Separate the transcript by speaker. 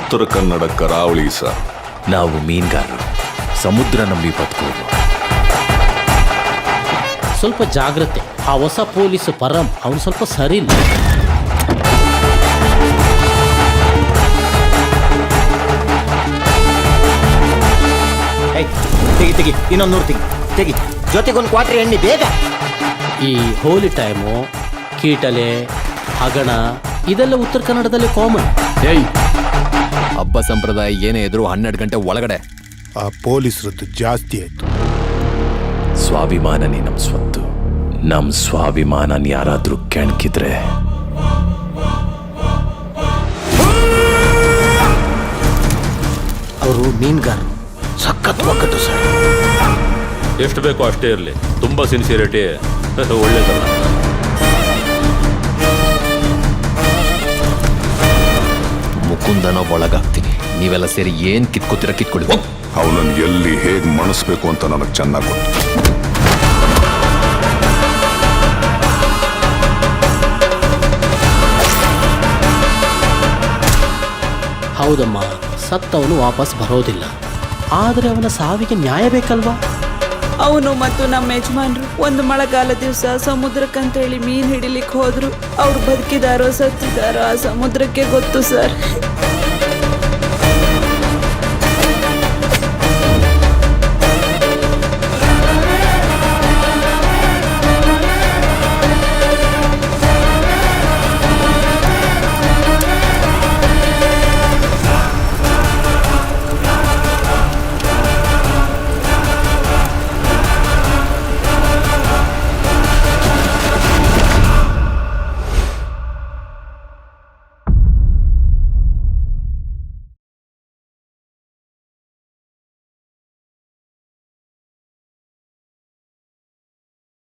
Speaker 1: ಉತ್ತರ ಕನ್ನಡ ಕರಾವಳಿ ಸರ್.
Speaker 2: ನಾವು ಮೀನುಗಾರರು, ಸಮುದ್ರ ನಂಬಿ ಬದುಕೋರು.
Speaker 3: ಸ್ವಲ್ಪ ಜಾಗ್ರತೆ. ಆ ಹೊಸ ಪೊಲೀಸ್ ಪರಂ ಅವನು ಸ್ವಲ್ಪ ಸರಿ ಇಲ್ಲ.
Speaker 4: ತೆಗಿ ಇನ್ನೊಂದು 100 ತೆಗಿ ಜೊತೆಗೊಂದು ಕ್ವಾಟ್ರಿ ಎಣ್ಣೆ ಬೇಗ.
Speaker 3: ಈ ಹೋಲಿ ಟೈಮು, ಕೀಟಲೆ, ಹಗಣ ಇದೆಲ್ಲ ಉತ್ತರ ಕನ್ನಡದಲ್ಲಿ ಕಾಮನ್.
Speaker 2: ಹಬ್ಬ ಸಂಪ್ರದಾಯ ಏನೇ ಇದ್ರು 12 ಗಂಟೆ ಒಳಗಡೆ.
Speaker 5: ಆ ಪೊಲೀಸರದ್ದು ಜಾಸ್ತಿ ಆಯ್ತು.
Speaker 2: ಸ್ವಾಭಿಮಾನನೇ ನಮ್ಮ ಸ್ವತ್ತು. ನಮ್ಮ ಸ್ವಾಭಿಮಾನ ಯಾರಾದ್ರೂ ಕೆಣಕಿದ್ರೆ
Speaker 4: ಅವರು ಮೀನುಗಾರರು, ಸಖತ್ ಒಕ್ಕಟ್ಟು ಸರ್.
Speaker 6: ಎಷ್ಟು ಬೇಕೋ ಅಷ್ಟೇ ಇರಲಿ, ತುಂಬ ಸಿನ್ಸಿಯರಿಟಿ ಒಳ್ಳೇದಲ್ಲ.
Speaker 2: ಮುಕುಂದನ ಒಳಗಾಗ್ತೀನಿ. ನೀವೆಲ್ಲ ಸೇರಿ ಏನ್ ಕಿತ್ಕೋತೀರ ಕಿತ್ಕೊಳ್ಳಿ.
Speaker 1: ಅವನನ್ನು ಎಲ್ಲಿ ಹೇಗೆ ಮಣಿಸ್ಬೇಕು ಅಂತ ನನಗೆ ಚೆನ್ನಾಗಿ ಗೊತ್ತು.
Speaker 3: ಹೌದಮ್ಮ, ಸತ್ತವನು ವಾಪಸ್ ಬರೋದಿಲ್ಲ. ಆದರೆ ಅವನ ಸಾವಿಗೆ ನ್ಯಾಯ ಬೇಕಲ್ವಾ?
Speaker 7: ಅವನು ಮತ್ತು ನಮ್ಮ ಯಜಮಾನ್ರು ಒಂದು ಮಳೆಗಾಲ ದಿವಸ ಸಮುದ್ರಕ್ಕಂತೇಳಿ ಮೀನು ಹಿಡಿಲಿಕ್ಕೆ ಹೋದ್ರು. ಅವ್ರು ಬದುಕಿದಾರೋ ಸತ್ತಿದಾರೋ ಆ ಸಮುದ್ರಕ್ಕೆ ಗೊತ್ತು ಸರ್.